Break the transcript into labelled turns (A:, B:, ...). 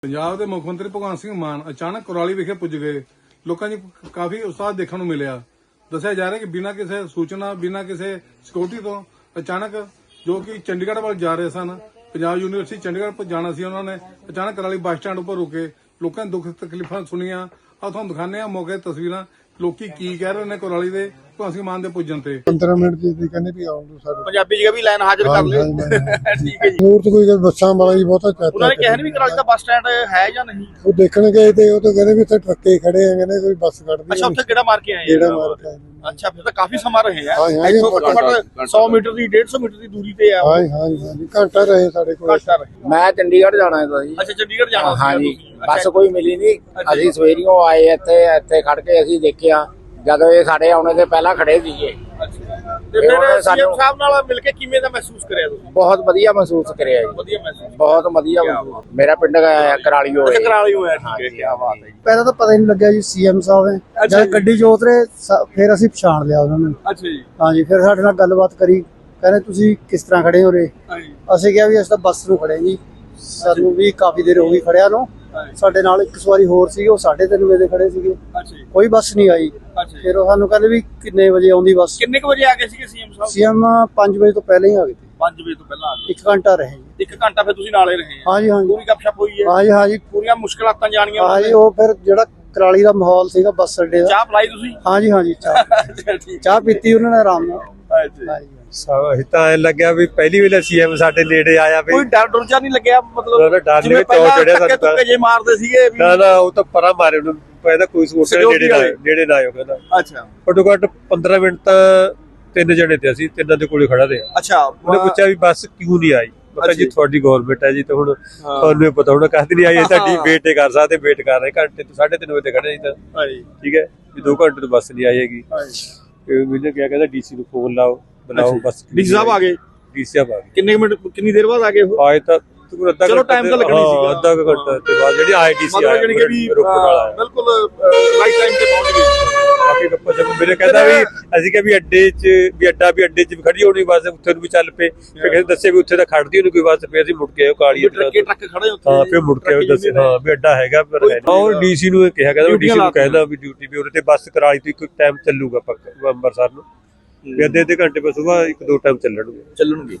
A: ਪੰਜਾਬ ਦੇ ਮੁੱਖ ਮੰਤਰੀ ਭਗਵੰਤ ਸਿੰਘ ਮਾਨ ਅਚਾਨਕ ਕੁਰਾਲੀ ਵਿਖੇ ਪੁੱਜ ਗਏ। ਲੋਕਾਂ 'ਚ ਕਾਫੀ ਉਤਸ਼ਾਹ ਦੇਖਣ ਨੂੰ ਮਿਲਿਆ। ਦੱਸਿਆ ਜਾ ਰਿਹਾ ਕਿ ਬਿਨਾਂ ਕਿਸੇ ਸੂਚਨਾ, ਬਿਨਾਂ ਕਿਸੇ ਸਿਕਿਉਰਿਟੀ ਤੋਂ ਅਚਾਨਕ ਜੋ ਕਿ ਚੰਡੀਗੜ੍ਹ ਵੱਲ ਜਾ ਰਹੇ ਸਨ, ਪੰਜਾਬ ਯੂਨੀਵਰਸਿਟੀ ਚੰਡੀਗੜ੍ਹ ਜਾਣਾ ਸੀ, ਉਹਨਾਂ ਨੇ ਅਚਾਨਕ ਕੁਰਾਲੀ ਬੱਸ ਸਟੈਂਡ ਉੱਪਰ ਰੁਕੇ। ਲੋਕਾਂ ਨੇ ਦੁੱਖ ਤਕਲੀਫਾਂ ਸੁਣੀਆਂ। ਆ ਤੁਹਾਨੂੰ ਦਿਖਾਉਂਦੇ ਆ ਮੌਕੇ ਦੀਆਂ ਤਸਵੀਰਾਂ, ਲੋਕੀ ਕੀ ਕਹਿ ਰਹੇ ਨੇ ਕੁਰਾਲੀ ਦੇ ਭਗਵੰਤ ਸਿੰਘ ਮਾਨ ਦੇ ਪੁੱਜਣ ਤੇ।
B: 15 ਮਿੰਟ ਦੀ ਕਹਿੰਦੇ ਵੀ ਆਉਣ ਦੋ ਸਾਡੇ
C: ਪੰਜਾਬੀ ਜਗ੍ਹਾ ਵੀ ਲਾਈਨ ਹਾਜ਼ਰ ਕਰ ਲਿਓ। ਠੀਕ ਹੈ ਜੀ।
B: ਹੋਰ ਤਾਂ ਕੋਈ ਗੱਲ ਬੱਸਾਂ ਵਾਲਾ ਹੀ ਬਹੁਤਾ ਚਾਹਤਾ।
C: ਉਹਨਾਂ ਨੇ ਕਿਹਾ ਨਹੀਂ ਵੀ ਕਰਾਲੀ ਦਾ ਬੱਸ ਸਟੈਂਡ ਹੈ ਜਾਂ ਨਹੀਂ।
B: ਉਹ ਦੇਖਣ ਗਏ ਤੇ ਉਹ ਤਾਂ ਕਹਿੰਦੇ ਵੀ ਇੱਥੇ ਟਰੱਕੇ ਖੜੇ ਆ, ਕਹਿੰਦੇ ਕੋਈ ਬੱਸ ਕੱਢਦੀ
C: ਅੱਛਾ, ਉੱਥੇ ਕਿਹੜਾ ਮਾਰ ਕੇ ਆਏ
B: ਜਿਹੜਾ ਮਾਰ ਕੇ ਆਏ।
C: ਅੱਛਾ, ਫਿਰ ਤਾਂ ਕਾਫੀ ਸਮਾਂ ਰਹੇ ਆ।
B: ਹਾਂ, ਹਾਂ,
C: ਇੱਥੋਂ ਘੱਟੋ ਘੱਟ 100 ਮੀਟਰ ਦੀ 150 ਮੀਟਰ ਦੀ ਦੂਰੀ ਤੇ ਆ।
B: ਹਾਂ ਹਾਂ ਹਾਂ ਘੰਟਾ ਰਹੇ ਸਾਡੇ ਕੋਲ।
C: ਘੱਟ ਰਹੇ।
D: ਮੈਂ ਚੰਡੀਗੜ੍ਹ ਜਾਣਾ ਹੈ ਜੀ।
C: ਅੱਛਾ, ਚੰਡੀਗੜ੍ਹ ਜਾਣਾ ਸੀ
D: ਹਾਂਜੀ,
C: ਤੁਸੀਂ।
D: ਬੱਸ ਕੋਈ ਮਿਲੀ ਨਹੀਂ। ਅਸੀਂ ਸਵੇਰੀਓ ਆਏ ਇੱਥੇ ਖੜ ਕੇ ਅਸੀਂ ਦੇਖਿਆ, ਜਦੋਂ ਇਹ ਸਾਡੇ ਆਉਣੇ ਦੇ ਪਹਿਲਾਂ ਖੜੇ ਸੀਗੇ।
C: ਤੇ ਫਿਰ ਸੀਐਮ ਸਾਹਿਬ ਨਾਲ ਮਿਲ ਕੇ ਕਿਵੇਂ ਦਾ ਮਹਿਸੂਸ ਕਰਿਆ ਤੁਸੀਂ?
D: ਬਹੁਤ ਵਧੀਆ ਮਹਿਸੂਸ ਕਰਿਆ ਜੀ,
C: ਵਧੀਆ ਮਹਿਸੂਸ।
D: ਬਹੁਤ ਵਧੀਆ ਮਹਿਸੂਸ। ਮੇਰਾ ਪਿੰਡ ਕਰਾਲੀ ਹੋਇਆ।
C: ਅੱਛਾ, ਕਰਾਲੀ ਹੋਇਆ। ਠੀਕ ਹੈ, ਕੀ ਬਾਤ ਹੈ ਜੀ।
E: ਪਹਿਲਾਂ ਤਾਂ ਪਤਾ ਹੀ ਨਹੀਂ ਲੱਗਿਆ ਜੀ ਸੀਐਮ ਸਾਹਿਬ ਨੇ। ਜਦ ਗੱਡੀ 'ਚ ਉਤਰੇ ਫਿਰ ਅਸੀਂ ਪਛਾਣ ਲਿਆ ਉਹਨਾਂ ਨੂੰ।
C: ਅੱਛਾ ਜੀ।
E: ਹਾਂਜੀ, ਫਿਰ ਸਾਡੇ ਨਾਲ ਗੱਲਬਾਤ ਕਰੀ। ਕਹਿੰਦੇ ਤੁਸੀਂ ਕਿਸ ਤਰ੍ਹਾਂ ਖੜੇ ਹੋ ਰੇ?
C: ਹਾਂਜੀ।
E: ਅਸੀਂ ਕਿਹਾ ਵੀ ਅਸੀਂ ਤਾਂ ਬੱਸ ਨੂੰ ਖੜੇ ਜੀ, ਸਾਨੂੰ ਵੀ ਕਾਫੀ ਦੇਰ ਹੋ ਗਈ ਖੜਿਆ ਨੂੰ। ਸਾਡੇ ਨਾਲ ਇੱਕ ਸਵਾਰੀ ਹੋਰ ਸੀ, ਉਹ 3:30 ਵਜੇ ਦੇ ਖੜੇ ਸੀਗੇ।
C: ਅੱਛਾ ਜੀ।
E: ਕੋਈ ਬੱਸ ਨਹੀਂ ਆਈ।
C: ਅੱਛਾ ਜੀ।
E: ਫਿਰ ਉਹ ਸਾਨੂੰ ਕਹਿੰਦੇ ਵੀ ਕਿੰਨੇ ਵਜੇ ਆਉਂਦੀ ਬੱਸ?
C: ਕਿੰਨੇ ਕੁ ਵਜੇ ਆ ਗਏ ਸੀਗੇ ਸੀਐਮ ਸਾਹਿਬ?
E: ਸੀਐਮ 5 ਵਜੇ ਤੋਂ ਪਹਿਲਾਂ ਹੀ ਆ ਗਏ ਸੀ।
C: 5 ਵਜੇ ਤੋਂ ਪਹਿਲਾਂ ਆ ਗਏ।
E: 1 ਘੰਟਾ ਰਹੇ ਜੀ।
C: 1 ਘੰਟਾ ਫਿਰ ਤੁਸੀਂ ਨਾਲੇ ਰਹੇ ਆ?
E: ਹਾਂਜੀ ਹਾਂਜੀ
C: ਪੂਰੀ ਗੱਪਸ਼ਪ ਹੋਈ ਹੈ?
E: ਹਾਂਜੀ ਹਾਂਜੀ
C: ਪੂਰੀਆਂ ਮੁਸ਼ਕਲਾਤਾਂ ਜਾਣੀਆਂ?
E: ਹਾਂਜੀ। ਉਹ ਫਿਰ ਜਿਹੜਾ ਕਰਾਲੀ ਦਾ ਮਾਹੌਲ ਸੀਗਾ ਬੱਸ ਅੱਡੇ ਦਾ।
C: ਚਾਹ ਪਲਾਈ ਤੁਸੀਂ?
E: ਹਾਂਜੀ ਹਾਂਜੀ
C: ਠੀਕ।
E: ਚਾਹ ਪੀਤੀ ਉਹਨਾਂ ਨੇ ਆਰਾਮ ਨਾਲ। ਹਾਂਜੀ।
F: ਅਸੀਂ ਤਾਂ ਐ ਲੱਗਿਆ ਵੀ ਪਹਿਲੀ ਵੇਲੇ ਸੀਐਮ ਸਾਡੇ ਨੇੜੇ ਆਇਆ ਵੀ
C: ਕੋਈ ਡਰ ਡਰ ਜਾ ਨਹੀਂ ਲੱਗਿਆ? ਮਤਲਬ
F: ਡਰ
C: ਜਿਵੇਂ
F: ਨਹੀਂ
C: ਪਹਿਲਾਂ
F: ਚੜਿਆ
C: ਧੱਕੇ ਧੁੱਕੇ ਜੇ ਮਾਰਦੇ ਸੀਗੇ ਵੀ।
F: ਨਾ ਉਹ ਤਾਂ ਪਰਾਂ ਮਾਰੇ ਉਹਨੂੰ ਪਹਿਲਾਂ ਕੋਈ ਸੋਚਿਆ ਨੇੜੇ ਨਾ ਆਇਓ ਕਹਿੰਦਾ।
C: ਅੱਛਾ
F: ਘੱਟੋ ਘੱਟ 15 ਮਿੰਟ ਤਾਂ 3 ਜਣੇ ਤੇ ਅਸੀਂ ਤਿੰਨਾਂ ਦੇ ਕੋਲੇ ਖੜਾ ਰਿਹਾ।
C: ਅੱਛਾ।
F: ਉਹਨੇ ਪੁੱਛਿਆ ਵੀ ਬੱਸ ਕਿਉਂ ਨਹੀਂ ਆਈ? ਮੈਂ ਕਿਹਾ ਜੀ ਤੁਹਾਡੀ ਗਵਰਨਮੈਂਟ ਹੈ ਜੀ, ਤਾਂ ਹੁਣ ਤੁਹਾਨੂੰ ਇਹ ਪਤਾ ਹੋਣਾ ਕਾਹਦੀ ਨਹੀਂ ਆਈ। ਤੁਹਾਡੀ ਵੇਟ ਹੀ ਕਰ ਸਕਦੇ, ਵੇਟ ਕਰ ਰਹੇ ਘੰਟੇ ਤੋਂ 3:30 ਵਜੇ ਤੇ ਖੜੇ ਸੀ ਤਾਂ।
C: ਹਾਂਜੀ।
F: ਠੀਕ ਹੈ ਵੀ 2 ਘੰਟੇ ਤੋਂ ਬੱਸ ਨਹੀਂ ਆਏਗੀ। ਮੈਨੂੰ ਕਿਹਾ ਕਹਿੰਦਾ ਡੀਸੀ ਨੂੰ ਫੋਨ ਲਾਓ, ਬੁਲਾਓ ਬੱਸ।
C: ਡੀਸੀ ਸਾਹਿਬ ਆ ਗਏ?
F: ਡੀਸੀ ਸਾਹਿਬ ਆ ਗਏ।
C: ਕਿੰਨੇ ਮਿੰਟ ਕਿੰਨੀ ਦੇਰ ਬਾਅਦ ਆ ਗਏ ਉਹ?
F: ਆਏ ਤਾਂ ਅੱਧਾ
C: ਚਲੋ time ਤਾਂ ਲੱਗਣਾ ਹੀ ਸੀਗਾ।
F: ਅੱਧਾ ਘੰਟਾ ਤੇ ਬਾਅਦ ਜਿਹੜੀ ਆਈਟੀਸੀ
C: ਮਤਲਬ ਜਾਨੀ ਕਿ ਵੀ
F: ਰੋਪੜ ਵਾਲਾ
C: ਬਿਲਕੁਲ ਰਾਈਟ ਟਾਈਮ ਤੇ ਪਹੁੰਚ ਗਏ।
F: ਕਾਫੀ ਗੱਪਾਂ ਜਬ ਮੇਰੇ ਕਹਿੰਦਾ ਵੀ ਅਸੀਂ ਕਿਹਾ ਵੀ ਅੱਡੇ 'ਚ ਵੀ ਖੜੀ ਹੋਣੀ ਬੱਸ, ਉੱਥੇ ਨੂੰ ਵੀ ਚੱਲ ਪਏ। ਫਿਰ ਕਹਿੰਦੇ ਦੱਸੇ ਵੀ ਉੱਥੇ ਤਾਂ ਖੜਦੀ ਉਹਨੂੰ ਕੋਈ ਬੱਸ, ਫਿਰ ਅਸੀਂ ਮੁੜ ਕੇ ਆਏ ਕਾਲੀ
C: ਟਰੱਕੇ ਟਰੱਕ ਖੜੇ ਉੱਥੇ।
F: ਹਾਂ, ਫਿਰ ਮੁੜ ਕੇ ਆਏ ਦੱਸੇ ਹਾਂ ਵੀ ਅੱਡਾ ਹੈਗਾ ਪਰ ਹੈ ਨਹੀਂ। ਉਹ ਡੀਸੀ ਨੂੰ ਕਿਹਾ, ਕਹਿੰਦਾ ਡੀਸੀ ਨੂੰ ਕਹਿੰਦਾ ਵੀ ਡਿਊਟੀ ਵੀ ਉਹਦੇ ਤੇ ਬੱਸ ਕਰਾਲੀ ਤੋਂ ਇੱਕ ਟਾਈਮ ਚੱਲੂਗਾ ਪੱਕਾ ਅੰਮ੍ਰਿਤਸਰ ਨੂੰ, ਵੀ ਅੱਧੇ ਘੰਟੇ ਪਰ ਸੁਬਾਹ 1-2 ਟਾਈਮ ਚੱਲਣਗੇ।